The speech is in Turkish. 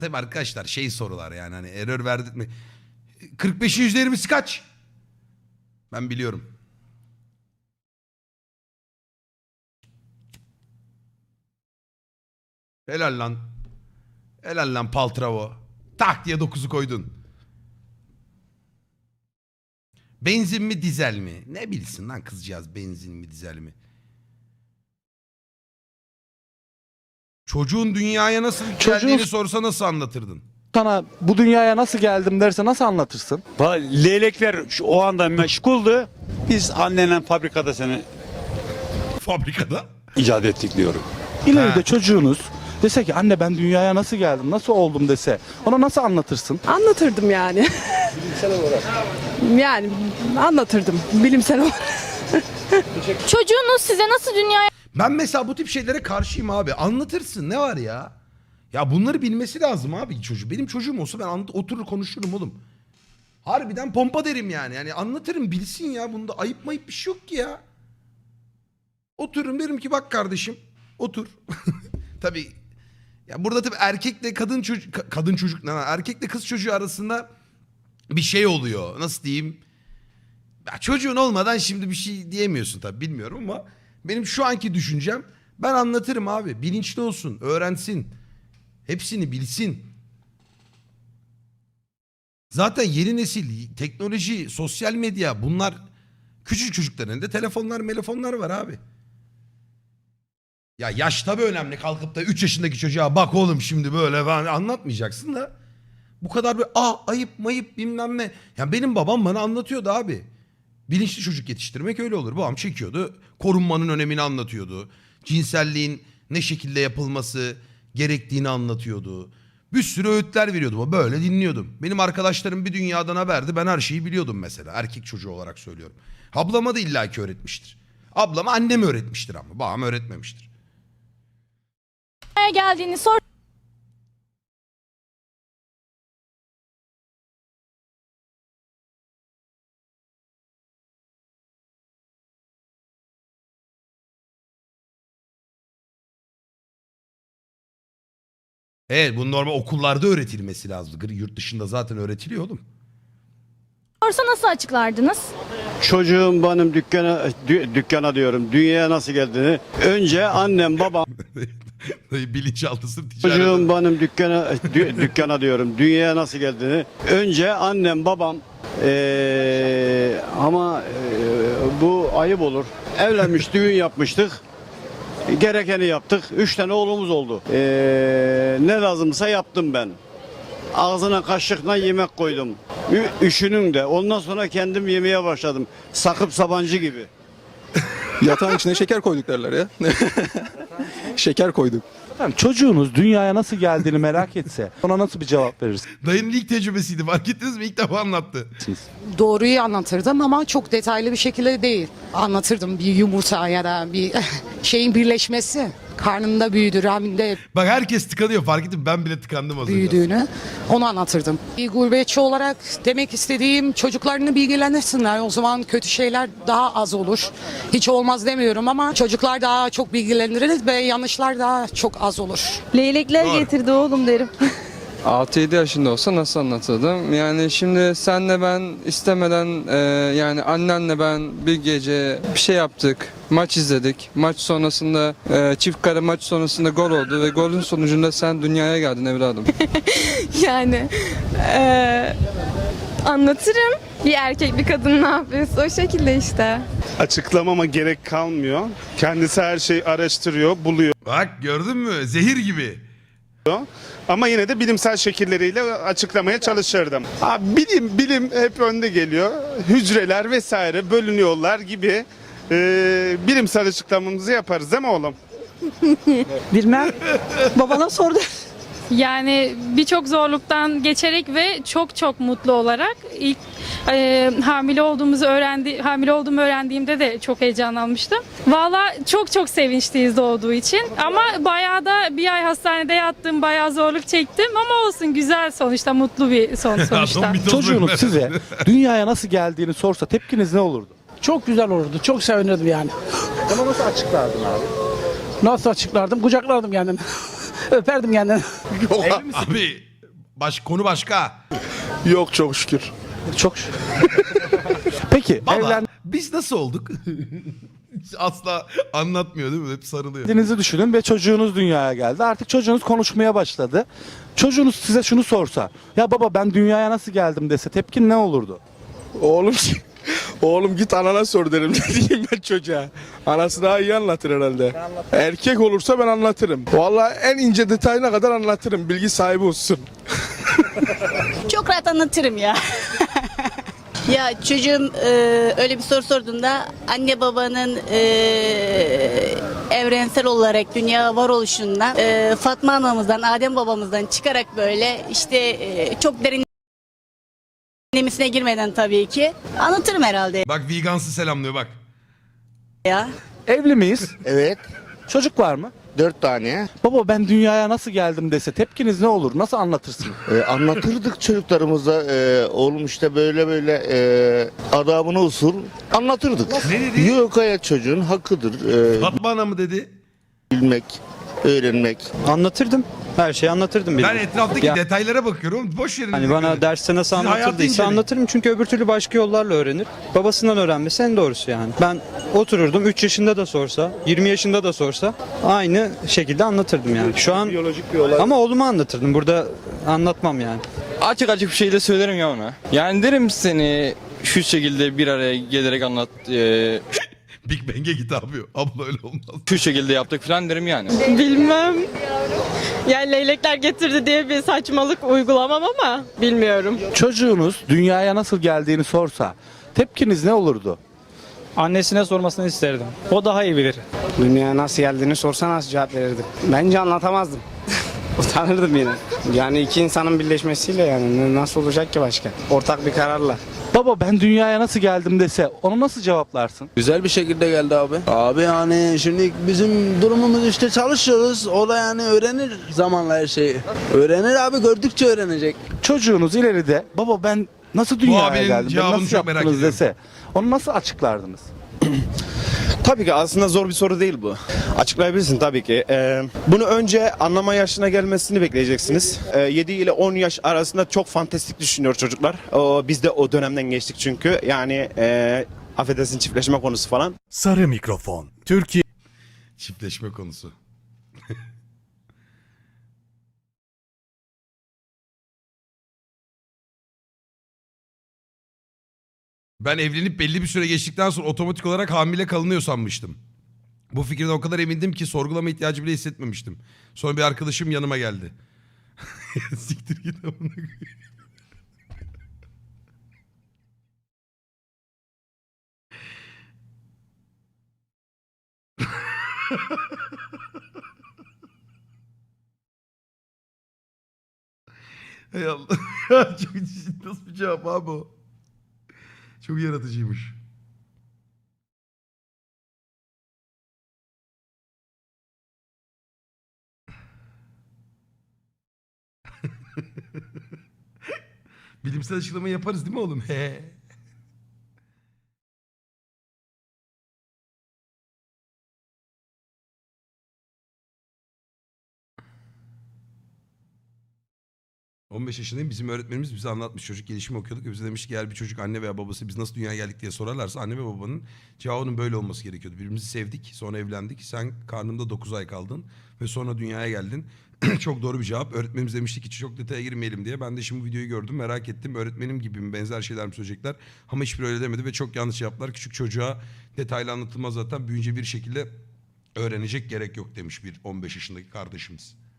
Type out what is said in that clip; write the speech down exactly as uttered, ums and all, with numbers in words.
Tabii arkadaşlar şey sorular yani hani error verdik mi? kırk beşin yüzde yirmisi kaç? Ben biliyorum. Helal lan. Helal lan Paltravo. Tak diye dokuzu koydun. Benzin mi dizel mi? Ne bilsin lan kızcağız benzin mi dizel mi? Çocuğun dünyaya nasıl Çocuğun- geldiğini sorsa nasıl anlatırdın? Sana bu dünyaya nasıl geldim derse nasıl anlatırsın? Va- Leylekler şu- o anda meşguldü. Biz annenle fabrikada seni Fabrikada. icat ettik diyorum. İleride Ha. çocuğunuz dese ki anne ben dünyaya nasıl geldim, nasıl oldum dese ona nasıl anlatırsın? Anlatırdım yani. Bilimsel olarak. Yani anlatırdım bilimsel olarak. Çocuğunuz size nasıl dünyaya Ben mesela bu tip şeylere karşıyım abi. Anlatırsın ne var ya? Ya bunları bilmesi lazım abi çocuğu. Benim çocuğum olsa ben anlat- oturur konuşurum oğlum. Harbiden pompa derim yani. Yani anlatırım bilsin ya. Bunda ayıp mayıp bir şey yok ki ya. Otururum derim ki bak kardeşim otur. Tabii ya burada tabii erkekle kadın çocuk ka- kadın çocuk ne lan? Erkekle kız çocuğu arasında bir şey oluyor. Nasıl diyeyim? Ya çocuğun olmadan şimdi bir şey diyemiyorsun tabii bilmiyorum ama benim şu anki düşüncem ben anlatırım abi. Bilinçli olsun, öğrensin. Hepsini bilsin. Zaten yeni nesil, teknoloji, sosyal medya bunlar küçük çocukların elinde telefonlar, telefonlar var abi. Ya yaş tabii önemli. Kalkıp da üç yaşındaki çocuğa bak oğlum şimdi böyle falan anlatmayacaksın da. Bu kadar bir ah ayıp mayıp bilmem ne. Ya benim babam bana anlatıyordu abi. Bilinçli çocuk yetiştirmek öyle olur. Babam çekiyordu. Korunmanın önemini anlatıyordu. Cinselliğin ne şekilde yapılması gerektiğini anlatıyordu. Bir sürü öğütler veriyordu. Böyle dinliyordum. Benim arkadaşlarım bir dünyadan haberdi. Ben her şeyi biliyordum mesela. Erkek çocuğu olarak söylüyorum. Ablama da illaki öğretmiştir. Ablama annem öğretmiştir ama. Babam öğretmemiştir. geldiğini sor. Evet bu normal okullarda öğretilmesi lazım. Yurt dışında zaten öğretiliyor oğlum. Sorsa nasıl açıklardınız? Çocuğum benim dükkana, dü- dükkana diyorum, dünyaya nasıl geldiğini önce annem babam, Bilinçaltısı ticaret. çocuğum benim dükkana, dü- dükkana diyorum, dünyaya nasıl geldiğini önce annem babam, ee, ama ee, bu ayıp olur. Evlenmiş, düğün yapmıştık. Gerekeni yaptık. Üç tane oğlumuz oldu. Ee, ne lazımsa yaptım ben. Ağzına kaşıkla yemek koydum. Ü- üşünün de. Ondan sonra kendim yemeye başladım. Sakıp Sabancı gibi. Yatağın içine şeker koyduk derler ya. Şeker koyduk. Efendim, çocuğunuz dünyaya nasıl geldiğini merak etse ona nasıl bir cevap verirsiniz? Dayının ilk tecrübesiydi fark ettiniz mi? İlk defa anlattı. Doğruyu anlatırdım ama çok detaylı bir şekilde değil. Anlatırdım bir yumurta ya da bir şeyin birleşmesi. Karnında büyüdü, rahminde Bak herkes tıkanıyor fark ettim ben bile tıkandım az önce. büyüdüğünü onu anlatırdım. Bir gurbetçi olarak demek istediğim çocuklarını bilgilenirsinler. O zaman kötü şeyler daha az olur. Hiç olmaz demiyorum ama çocuklar daha çok bilgileniriz ve yanlışlar daha çok az olur. Leylekler Doğru. getirdi oğlum derim. altı yedi yaşında olsa nasıl anlatırdım? Yani şimdi senle ben istemeden e, yani annenle ben bir gece bir şey yaptık. Maç izledik. Maç sonrasında e, çift kare maç sonrasında gol oldu ve golün sonucunda sen dünyaya geldin evladım. Yani eee, anlatırım. Bir erkek bir kadın ne yapıyorsa o şekilde işte. Açıklamama gerek kalmıyor. Kendisi her şeyi araştırıyor, buluyor. Bak gördün mü zehir gibi. Ama yine de bilimsel şekilleriyle açıklamaya çalışırdım. Abi bilim bilim hep önde geliyor. Hücreler vesaire bölünüyorlar gibi e, bilimsel açıklamamızı yaparız değil mi oğlum? Bilmem. Babana sordu. Yani birçok zorluktan geçerek ve çok çok mutlu olarak ilk e, hamile olduğumuzu öğrendi hamile olduğumu öğrendiğimde de çok heyecanlanmıştım. Valla çok çok sevinçliyiz doğduğu için ama bayağı da bir ay hastanede yattım, bayağı zorluk çektim ama olsun güzel sonuçta mutlu bir son sonuçta. Adam bir toz Çocuğunuz bölme. size dünyaya nasıl geldiğini sorsa tepkiniz ne olurdu? Çok güzel olurdu. Çok sevinirdim yani. Ona nasıl açıklardın abi? Nasıl açıklardım? Kucaklardım kendimi. Öperdim kendimi. Abi Baş, konu başka. Yok çok şükür. Çok şükür. Peki Baba evlen biz nasıl olduk? Hiç asla anlatmıyor değil mi? Hep sarılıyor. Kendinizi düşünün ve çocuğunuz dünyaya geldi. Artık çocuğunuz konuşmaya başladı. Çocuğunuz size şunu sorsa, ya baba ben dünyaya nasıl geldim dese tepkin ne olurdu? Oğlum oğlum git anana sor derim. Ne diyeyim ben çocuğa? Anası daha iyi anlatır herhalde. Erkek olursa ben anlatırım. Vallahi en ince detayına kadar anlatırım. Bilgi sahibi olsun. Çok rahat anlatırım ya. Ya çocuğum e, öyle bir soru sorduğunda anne babanın e, evrensel olarak dünya varoluşundan e, Fatma anamızdan, Adem babamızdan çıkarak böyle işte e, çok derinlemesine girmeden tabii ki anlatırım herhalde Bak Vegans'ı selamlıyor bak. ya. Evli miyiz? Evet. Çocuk var mı? Dört tane. Baba ben dünyaya nasıl geldim dese tepkiniz ne olur? Nasıl anlatırsınız? Ee, anlatırdık çocuklarımıza. Ee, oğlum işte böyle böyle e, adabına usul anlatırdık. Ne dedi? Yok hayat çocuğun hakkıdır. Ee, Fatma Ana mı dedi? bilmek, öğrenmek. Anlatırdım. Her şeyi anlatırdım. Ben etraftaki Ya- detaylara bakıyorum. Boş yerin. Hani bana derste nasıl Sizin hayatı anlatırdıysa inceleyin. anlatırım çünkü öbür türlü başka yollarla öğrenir. Babasından öğrenmesi en doğrusu yani. Ben otururdum üç yaşında da sorsa, yirmi yaşında da sorsa aynı şekilde anlatırdım yani. Şu an Biyolojik bir olay. ama oğluma anlatırdım. Burada anlatmam yani. Açık açık bir şey de söylerim ya ona. Yani derim seni şu şekilde bir araya gelerek anlat, e, Big Bang'e git abi. Abla öyle olmaz. şu şekilde yaptık falan derim yani. Bilmem. Yani leylekler getirdi diye bir saçmalık uygulamam ama bilmiyorum. Çocuğunuz dünyaya nasıl geldiğini sorsa tepkiniz ne olurdu? Annesine sormasını isterdim. O daha iyi bilir. Dünyaya nasıl geldiğini sorsa nasıl cevap verirdim? Bence anlatamazdım. Utanırdım yine. Yani iki insanın birleşmesiyle yani nasıl olacak ki başka? Ortak bir kararla. Baba ben dünyaya nasıl geldim dese onu nasıl cevaplarsın? Güzel bir şekilde geldi abi. Abi yani şimdi bizim durumumuz işte çalışıyoruz. O da yani öğrenir zamanla her şeyi. Öğrenir abi, gördükçe öğrenecek. Çocuğunuz ileride baba ben nasıl dünyaya abinin geldim, ben cevabını nasıl çok merak yaptınız ediyorum. dese onu nasıl açıklardınız? Tabii ki aslında zor bir soru değil bu. Açıklayabilirsin tabii ki. Ee, bunu önce anlama yaşına gelmesini bekleyeceksiniz. Ee, yedi ile on yaş arasında çok fantastik düşünüyor çocuklar. O, biz de o dönemden geçtik çünkü. Yani e, affedersin çiftleşme konusu falan. Sarı mikrofon. Türkiye. Çiftleşme konusu. Ben evlenip belli bir süre geçtikten sonra otomatik olarak hamile kalınıyor sanmıştım. Bu fikirden o kadar emindim ki sorgulama ihtiyacı bile hissetmemiştim. Sonra bir arkadaşım yanıma geldi. Siktir git amına koyayım. Hay Allah. Ya çok nasıl bir cevap abi o? Çok yaratıcıymış. Bilimsel açıklama yaparız değil mi oğlum? He. on beş yaşındayım. Bizim öğretmenimiz bize anlatmış. Çocuk gelişimi okuyorduk. Ve bize demişti ki eğer bir çocuk anne veya babası biz nasıl dünyaya geldik diye sorarlarsa anne ve babanın cevabının böyle olması gerekiyordu. Birbirimizi sevdik. Sonra evlendik. Sen karnımda dokuz ay kaldın. Ve sonra dünyaya geldin. Çok doğru bir cevap. Öğretmenimiz demişti ki çok detaya girmeyelim diye. Ben de şimdi bu videoyu gördüm. Merak ettim. Öğretmenim gibi mi benzer şeyler mi söyleyecekler? Ama hiçbiri öyle demedi ve çok yanlış cevaplar. Küçük çocuğa detaylı anlatılmaz zaten. Büyünce bir şekilde öğrenecek, gerek yok demiş bir on beş yaşındaki kardeşimiz.